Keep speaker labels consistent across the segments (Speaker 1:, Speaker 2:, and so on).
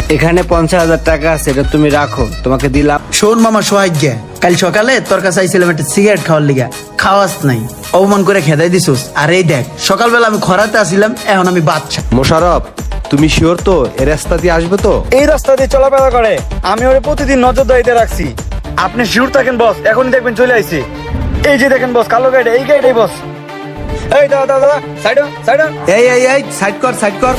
Speaker 1: এখানে 50,000 টাকা আছে, এটা তুমি রাখো, তোমাকে দিলাম।
Speaker 2: শোন মামা সোহাগ, কাল সকালে তোর কাছে আইছিলাম একটা সিগারেট খাওয়ার লিগা, খাওয়াস নাই, অপমান করে খেদাই দিছিস। আর এই দেখ সকালবেলা আমি খরাতে আসিলাম, এখন আমি বাচ্চা।
Speaker 3: মোশারফ, তুমি শিওর তো এই রাস্তা দিয়ে আসবে তো?
Speaker 4: এই রাস্তা দিয়ে চলাফেরা করে, আমি ওরে প্রতিদিন নজরদারিতে রাখছি। আপনি শিওর থাকেন বস, এখনই দেখবেন চলে আইছি। এই যে দেখেন বস, কালো গাড়ি, এই গাড়ি বস। এই দাদা দাদা দাদা, সাইড সাইড।
Speaker 2: এই সাইড কর, সাইড কর।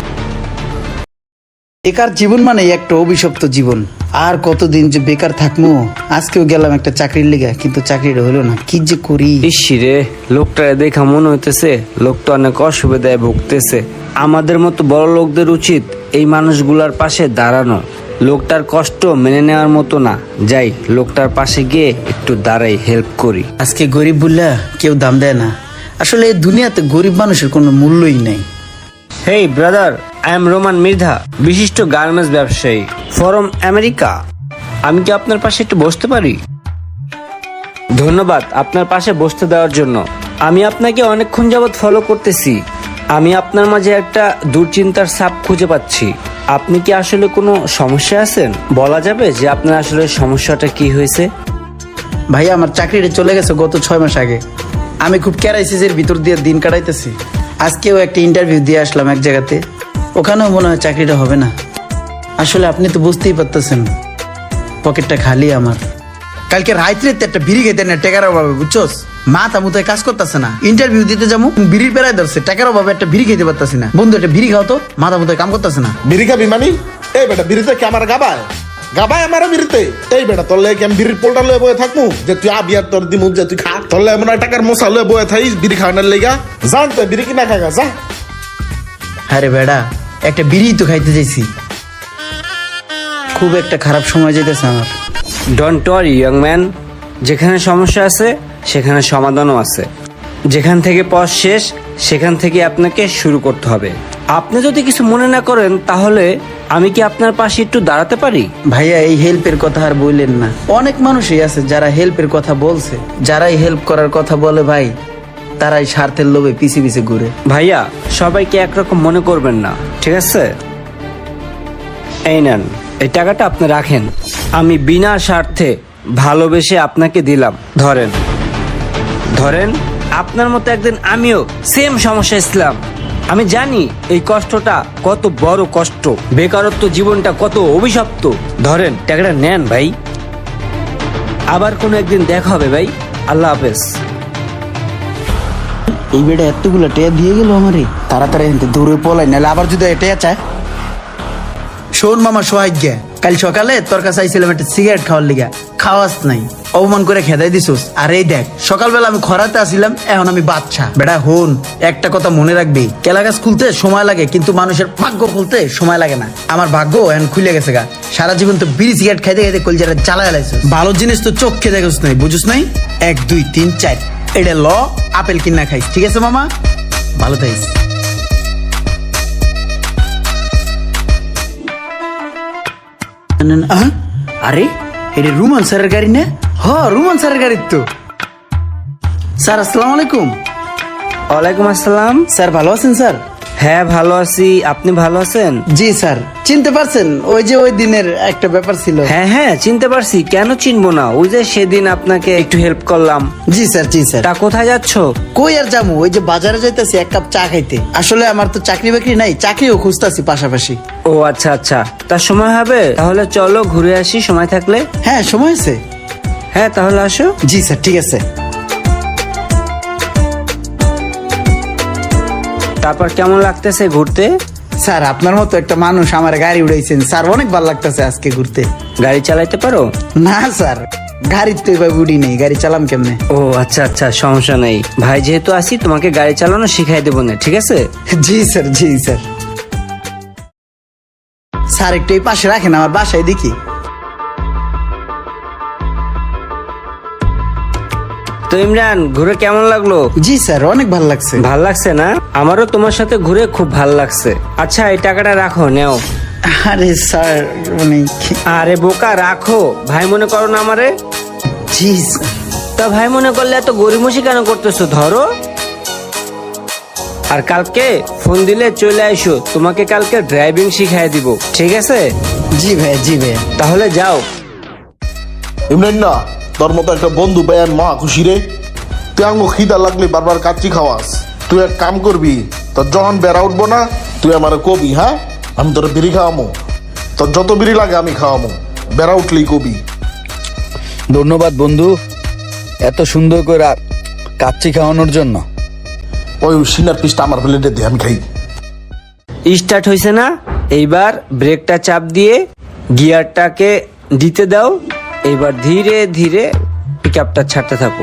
Speaker 2: বেকার জীবন মানে একটা অভিশপ্ত জীবন। আর কতদিন যে বেকার থাকবো। আজকেও গেলাম একটা চাকরির লিগা, কিন্তু চাকরিটা হলো না, কি যে করি।
Speaker 1: ইসিরে, লোকটা দেখা মনে হইতেছে লোকটা অনেক অসুবিধায় ভুগতেছে। আমাদের মতো বড় লোকদের উচিত এই মানুষগুলার পাশে দাঁড়ানো। লোকটার কষ্ট মেনে নেওয়ার মতো না। যাই, লোকটার পাশে গিয়ে একটু দাঁড়াই, হেল্প করি।
Speaker 2: আজকে গরিব বললা কেউ দাম দেয় না। আসলে এই দুনিয়াতে গরিব মানুষের কোনো মূল্যই নাই।
Speaker 1: Hey brother, I am Roman Mridha, বিশিষ্ট গার্মেন্টস ব্যবসায়ী ফ্রম আমেরিকা। আমি কি আপনার পাশে একটু বসতে পারি? ধন্যবাদ আপনার পাশে বসতে দেওয়ার জন্য। আমি আপনাকে অনেকক্ষণ যাবৎ ফলো করতেছি। আমি আপনার মাঝে একটা দুশ্চিন্তার ছাপ খুঁজে পাচ্ছি। আপনি কি আসলে কোনো সমস্যা আছেন? বলা যাবে যে আপনার আসলে সমস্যাটা কি হয়েছে?
Speaker 2: ভাইয়া আমার চাকরিটা চলে গেছে গত 6 মাস আগে। আমি খুব ক্রাইসিসের ভিতর দিয়ে দিন কাটাইতেছি। আজকেও একটা ইন্টারভিউ দিয়ে আসলাম এক জায়গাতে, ওখানেও মনে হয় চাকরিটা হবে না। আসলে আপনি তো বুঝতেই পারতেছেন, পকেটটা খালি আমার। কালকে রাত্রে একটা বিড়ি খেতে না, টাকার অভাবে, বুঝছোস? মাথা মুথায় কাজ করতেছে না। ইন্টারভিউ দিতে যাবো, বিড়ির পেরাই ধরছে, টাকার অভাবে একটা বিড়ি খেতে পারতেছি না। বন্ধু একটা বিড়ি খাও তো, মাথা মুথায় কাম করতেছে না।
Speaker 5: বিড়ি খাবি মানে? এই বেটা বিড়িতে কি আমার গাবায় গাবায় আমার বিড়িতে? এই বেটা তোর লেগে আমি বিড়ির পোলটা লয়ে বয়ে থাকবো যে তুই আবি আর তোর দিমু যে তুই খা? তোর লেগে মনে হয় টাকার মশা লয়ে বয়ে থাইস বিড়ি খাওয়ানোর লেগা? জান তো বিড়ি কিনা খাগা যা।
Speaker 2: আরে বেড়া, একটা বিড়ি তো খাইতে চাইছি। খুব একটা খারাপ সময় যেতেছে আমার।
Speaker 1: ডোন্ট ওয়ারি ইয়ং ম্যান, যেখানে সমস্যা আছে সেখানে সমাধানও আছে। যেখান থেকে পথ শেষ সেখান থেকে আপনাকে শুরু করতে হবে। আপনি যদি কিছু মনে না করেন তাহলে আমি কি আপনার পাশে একটু দাঁড়াতে পারি?
Speaker 2: ভাইয়া এই হেল্পের কথা আর বললেন না। অনেক মানুষই আছে যারা হেল্পের কথা বলছে, যারাই হেল্প করার কথা বলে ভাই, তারাই স্বার্থের লোভে পিছে পিছে ঘুরে।
Speaker 1: ভাইয়া, সবাইকে একরকম মনে করবেন না, ঠিক আছে? এই নেন, এই টাকাটা আপনি রাখেন। আমি বিনা স্বার্থে ভালোবেসে আপনাকে দিলাম। ধরেন ধরেন, আপনার মতো একদিন আমিও সেম সমস্যা ছিলাম। আমি জানি এই কষ্টটা কত বড় কষ্ট, বেকারত্ব জীবনটা কত অভিশপ্ত। ধরেন, টাকাটা নেন ভাই। আবার কোনো একদিন দেখা হবে ভাই। আল্লাহ হাফেজ।
Speaker 2: এই বেটা এতগুলো টেয়া দিয়ে গেল আমারে। তাড়াতাড়ি এনতে দৌড়ে পলাই, নাহলে আবার যদি টেয়া চায়। শোন মামা সোহাগ, কাল সকালে তোর কাছে আইছিলাম একটা সিগারেট খাওয়ার লিগা, খাওয়াস নাই, অপমান করে খেদাই দিছিস। আর এই দেখ সকালবেলা আমি খরাতে আসিলাম, এখন আমি বাচ্চা। বেটা হন, একটা কথা মনে রাখবি, কেলা গাছ খুলতে সময় লাগে কিন্তু মানুষের ভাগ্য খুলতে সময় লাগে না। আমার ভাগ্য এখন খুলে গেছে গা। সারা জীবন তো বিড়ি সিগারেট খাইতে খাইতে কলজাটা জ্বালায় লাইছিস। ভালো জিনিস তো চোখ খেয়ে দেখোস নাই, বুঝুস নাই? 1 2 3 4 এটা ল, আপেল কিনা খাইস, ঠিক আছে মামা? ভালো থাকিস। আরে এটা রুমান স্যারের গাড়ি না? হ, রুমান স্যারের গাড়ি তো। স্যার আসসালামু আলাইকুম।
Speaker 1: ওয়ালাইকুম আসসালাম।
Speaker 2: স্যার ভালো আছেন স্যার?
Speaker 1: হ্যাঁ ভালো আছি, আপনি ভালো আছেন?
Speaker 2: জি স্যার। চিনতে পারছেন? ওই যে ওই দিনের একটা ব্যাপার ছিল।
Speaker 1: হ্যাঁ হ্যাঁ, চিনতে পারছি, কেন চিনবো না? ওই যে সেদিন আপনাকে একটু হেল্প করলাম।
Speaker 2: জি স্যার, জি স্যার।
Speaker 1: তা কোথায় যাচ্ছ?
Speaker 2: কই আর যাবো, ওই যে বাজারে যাইতেছি 1 কাপ চা খাইতে। আসলে আমার তো চাকরি বাকরি নাই, চাকরিও খুঁজতেছি পাশাপাশি।
Speaker 1: ও আচ্ছা আচ্ছা, তার সময় হবে? তাহলে চলো ঘুরে আসি সময় থাকলে।
Speaker 2: হ্যাঁ সময় আছে।
Speaker 1: হ্যাঁ তাহলে আসো।
Speaker 2: জি স্যার, ঠিক আছে।
Speaker 1: তারপর কেমন লাগতেছে ঘুরতে?
Speaker 2: স্যার আপনার মতো একটা মানুষ আমার গাড়ি উড়াইছেন স্যার, অনেক ভালো লাগতেছে আজকে ঘুরতে।
Speaker 1: গাড়ি চালাইতে পারো?
Speaker 2: না স্যার, গাড়ির তো এবার উড়ি নেই, গাড়ি চালাম কেমনে?
Speaker 1: ও আচ্ছা আচ্ছা, সমস্যা নেই। ভাই যেহেতু আসি, তোমাকে গাড়ি চালানো শিখাই দেবো না, ঠিক আছে?
Speaker 2: জি স্যার, জি স্যার। স্যার একটু এই পাশে রাখেন, আমার বাসায় দেখি।
Speaker 1: তো ইমরান, ঘুরে কেমন লাগলো?
Speaker 2: জি স্যার, অনেক ভালো লাগছে।
Speaker 1: ভাল লাগছে না? আমারও তোমার সাথে ঘুরে খুব ভাল লাগছে। আচ্ছা এই টাকাটা রাখো, নেও।
Speaker 2: আরে স্যার মানে
Speaker 1: আরে বোকা, রাখো। ভাই মনে করো না আমারে?
Speaker 2: জি স্যার।
Speaker 1: তা ভাই মনে করলে এত গরিমসি কেন করতেছো? ধরো। আর কালকে ফোন দিলে চলে আইসো, তোমাকে কালকে ড্রাইভিং শিখাই দিব, ঠিক আছে?
Speaker 2: জি ভাই, জি ভাই।
Speaker 1: তাহলে যাও।
Speaker 5: ইমরান না, তোর মতো একটা বন্ধু ভাই আমি মহা খুশি রে। তুই আমাকে খিদা লাগলে বারবার কাচ্চি খাওয়াস। তুই এক কাম করবি, তোর যখন বেড়া উঠবো না তুই আমার কবি, হ্যাঁ আমি তোর বিড়ি খাওয়ামো, তোর যত বিড়ি লাগে আমি খাওয়ামো, বেড়া উঠলেই কবি।
Speaker 4: ধন্যবাদ বন্ধু, এত সুন্দর করে কাচ্চি খাওয়ানোর জন্য।
Speaker 5: ওই সিনার পিসটা আমার প্লেটে দিয়ে আমি খাই।
Speaker 1: স্টার্ট হয়েছে না? এইবার ব্রেকটা চাপ দিয়ে গিয়ারটাকে দিতে দাও। এইবার ধীরে ধীরে পিকআপটা ছাড়তে থাকো।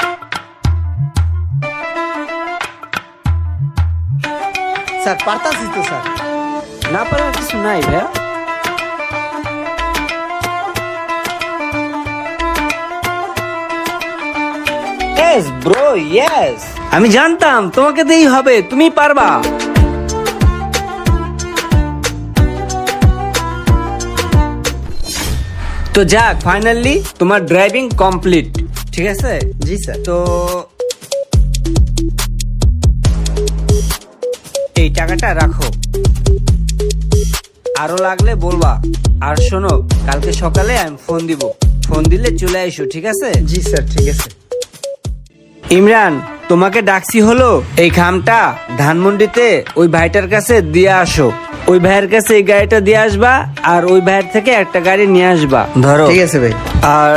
Speaker 2: স্যার পারতাছি তো স্যার।
Speaker 1: না পারার কিছু নাই ভাইয়া। Yes bro, yes. আমি জানতাম তোমাকে দিয়েই হবে, তুমি পারবা। তো যাক, ফাইনালি তোমার ড্রাইভিং কমপ্লিট, ঠিক আছে?
Speaker 2: জি স্যার।
Speaker 1: তো এই টাকাটা রাখো, আরো লাগলে বলবা। আর শোনো, কালকে সকালে আমি ফোন দিব, ফোন দিলে চলে আইসো, ঠিক আছে?
Speaker 2: জি স্যার, ঠিক আছে।
Speaker 1: ইমরান, তোমাকে ডাকছি হলো এই খামটা ধানমন্ডিতে ওই ভাইটার কাছে দিয়ে আসো। ওই ভাইয়ের কাছে এই গাড়িটা দিয়ে আসবা, আর ওই ভাইয়ের থেকে একটা গাড়ি নিয়ে আসবা, ধরো।
Speaker 2: ঠিক আছে ভাই।
Speaker 1: আর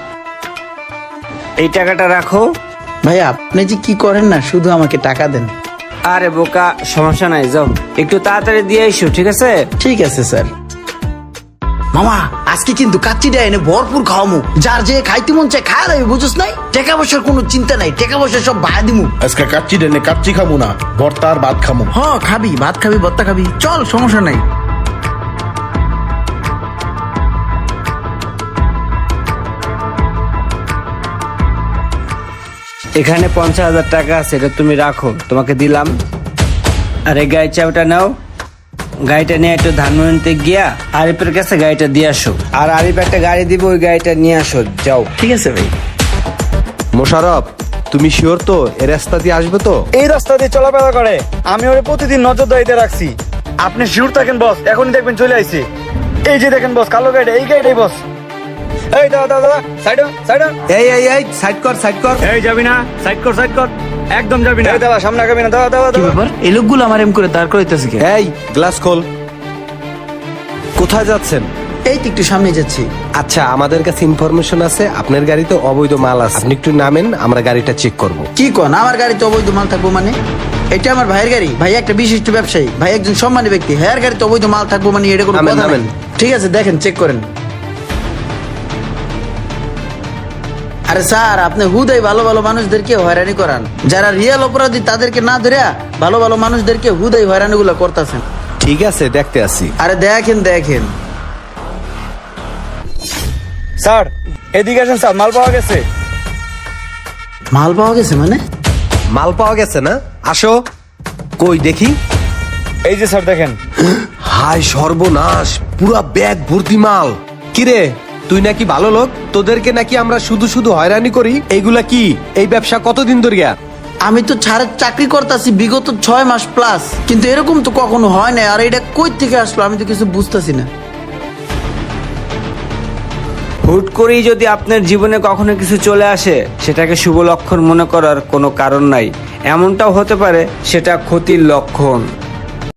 Speaker 1: এই টাকাটা রাখো।
Speaker 2: ভাই আপনি যে কি করেন না, শুধু আমাকে টাকা দেন।
Speaker 1: আরে বোকা, সমস্যা নাই, যাও একটু তাড়াতাড়ি দিয়ে এসো, ঠিক আছে?
Speaker 2: ঠিক আছে স্যার। মামা আজকে কিন্তু কাচ্চিটা এনে ভরপুর খাওয়ামু, যার যে খাইতে মন চায় খায় রাখবি, বুঝছ নাই? টাকা পয়সার কোনো চিন্তা নাই, টাকা পয়সা সব বায়া দিমু।
Speaker 5: আজকে কাচ্চি ডেনে কাচ্চি খামু না, ভর্তা আর ভাত খামু।
Speaker 2: হ খাবি, ভাত খাবি, ভর্তা খাবি, চল সমস্যা নাই।
Speaker 1: এখানে 50,000 টাকা আছে, এটা তুমি রাখো, তোমাকে দিলাম। আর এই গাড়ির চাবিটা নাও, গাড়িটা নিয়ে একটু ধানমন্ডিতে গিয়া আরিফের কাছে গাড়িটা দিয়ে আসো। আর আরিফ একটা গাড়ি দিব, ওই গাড়িটা নিয়ে আসো, যাও।
Speaker 2: ঠিক আছে ভাই।
Speaker 3: মোশারফ, তুমি শিওর তো এ রাস্তা দিয়ে আসবে তো?
Speaker 4: এই রাস্তা দিয়ে চলাফেরা করে, আমি ওরে প্রতিদিন নজরদারিতে রাখছি। আপনি শিওর থাকেন বস, এখনই দেখবেন চলে আইছে। এই যে দেখেন বস, কালো গাড়ি, এই গাড়িটাই বস। এই দাদা দাদা দাদা, সাইড সাইড।
Speaker 3: এই এই এই সাইড কর, সাইড কর।
Speaker 4: এই যাবি না, সাইড কর, সাইড কর, একদম যাবি না। এই দাদা সামনে আগাবি না, দাদা দাদা
Speaker 2: কি
Speaker 4: দাদা।
Speaker 2: ব্যাপার, এই লোকগুলো আমার এম করে দাঁড় করাইতেছে কি?
Speaker 3: এই গ্লাস খোল। কোথায় যাচ্ছেন?
Speaker 2: এই তো একটু সামনে যাচ্ছি।
Speaker 3: আচ্ছা, আমাদের কাছে ইনফরমেশন আছে আপনার গাড়িতে অবৈধ মাল আছে, আপনি একটু নামেন, আমরা গাড়িটা চেক করব।
Speaker 2: কি কোন, আমার গাড়িতে অবৈধ মাল থাকবো মানে? এটা আমার ভাইয়ের গাড়ি, ভাই একটা বিশিষ্ট ব্যবসায়ী, ভাই একজন সম্মানী ব্যক্তি, হ্যাঁ গাড়িতে অবৈধ মাল থাকবো মানে এটা কোনো
Speaker 3: নামেন,
Speaker 2: কথা
Speaker 3: নামেন।
Speaker 2: নামেন। ঠিক আছে, দেখেন, চেক করেন। আরে স্যার, আপনি হুদাই ভালো ভালো মানুষদেরকে হয়রানি করান, যারা রিয়েল অপরাধী তাদেরকে না ধরে ভালো ভালো মানুষদেরকে হুদাই হয়রানি গুলো করতেছেন।
Speaker 3: ঠিক আছে, দেখতে আসি।
Speaker 2: আরে দেখেন দেখেন।
Speaker 4: স্যার এদিকে আসেন স্যার, মাল পাওয়া গেছে।
Speaker 2: মাল পাওয়া গেছে মানে?
Speaker 3: মাল পাওয়া গেছে না? আসো, কই দেখি।
Speaker 4: এই যে স্যার দেখেন।
Speaker 3: হায় সর্বনাশ, পুরা ব্যাগ ভর্তি মাল। কিরে, তুই নাকি ভালো লোক, তোদেরকে নাকি আমরা শুধু শুধু হয়রানি করি? এইগুলা কি? এই ব্যবসা কতদিন ধরে?
Speaker 2: আমি তো ছাড়ের চাকরি করতেছি বিগত 6 মাস প্লাস, কিন্তু এরকম তো কখনো হয় না। আর এটা কই থেকে আসলো আমি তো কিছু বুঝতেছি না।
Speaker 1: হুট করেই যদি আপনার জীবনে কখনো কিছু চলে আসে, সেটাকে শুভ লক্ষণ মনে করার কোনো কারণ নাই। এমনটাও হতে পারে সেটা ক্ষতির লক্ষণ।